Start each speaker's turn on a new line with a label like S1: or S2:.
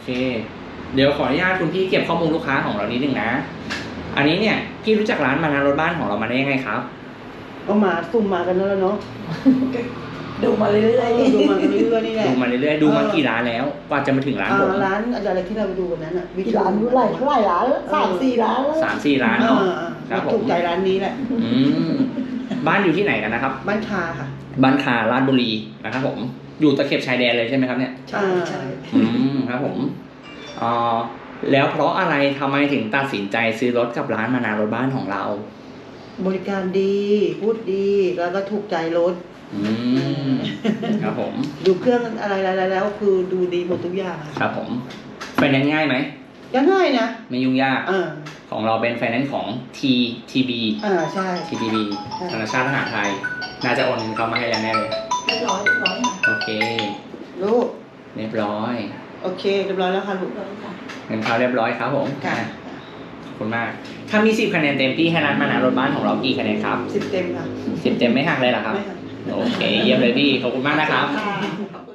S1: เคเดี๋ยวขออนุญาตคุณพี่เก็บข้อมูลลูกค้าของเรานิดนึงนะอันนี้เนี่ยพี่รู้จักร้านมานารถบ้านของเรามาได้ยังไงครับ
S2: ก็มาซุ่มมากันแล้วเนาะ
S3: ดูมาเรื่อยๆ
S2: ดูมากันเรื่อยๆนี่แหละ
S1: ดูมาเรื่อยๆดูมากี่ร้านแล้วกว่าจะมาถึงร้านผม
S2: ร้านอะไรที่เราไปดูวันนั้นอ่ะ
S3: กี่ร้านรู้ไรเท่าไหร่ร้าน3-4 ร้านแล้ว
S1: 3-4 ร้านเนาะครับผม
S2: ถูกใจร้านนี้แหละ
S1: บ้านอยู่ที่ไหนกันนะครับ
S2: บ้านคาค่ะ
S1: บ้านคาราชบุรีนะครับผมอยู่ตะเข็บชายแดนเลยใช่ไหมครับเนี่ย
S3: ใช่ใช่
S1: ครับผมแล้วเพราะอะไรทำไมถึงตัดสินใจซื้อรถกับร้านมานารถบ้านของเรา
S2: บริการดีพูดดีแล้วก็ถูกใจรถ
S1: ครับผม
S2: ดูเครื่องอะไรแล้วคือดูดีหมดทุกอย่าง
S1: ครับผมไฟแนนซ์ง่ายไหม
S2: ยังง่ายนะ
S1: ไม่ยุ่งยาก
S2: อ่า
S1: ของเราเป็นไฟแนนซ์ของ TTB
S2: ใช่
S1: TTB ธนาคารทหารไทยน่าจะโอนเงินเข้ามาให้แล้วแน่เลย
S3: เรียบร้อยค่ะ
S1: โอเค
S2: ลูก
S1: เรียบร้อย
S2: โอเคเรียบร้อยแล้วค่ะลูก
S3: เรียบร้อยค่ะ
S1: เงินเข้าเรียบร้อยครับผม
S2: ค่ะ
S1: ขอบคุณมาก ถ้ามี10 คะแนนเต็มพี่ให้ร้านมานารถบ้านของเรากี่คะแนนครับ
S2: 10 เต็มค่ะ
S1: 10 เต็มไม่หักเลยเหรอครับ
S2: ไม่ค่ะ
S1: โอเค เยี่ยมเลยพี่ ขอบคุณมากนะครับ
S3: ค่ะ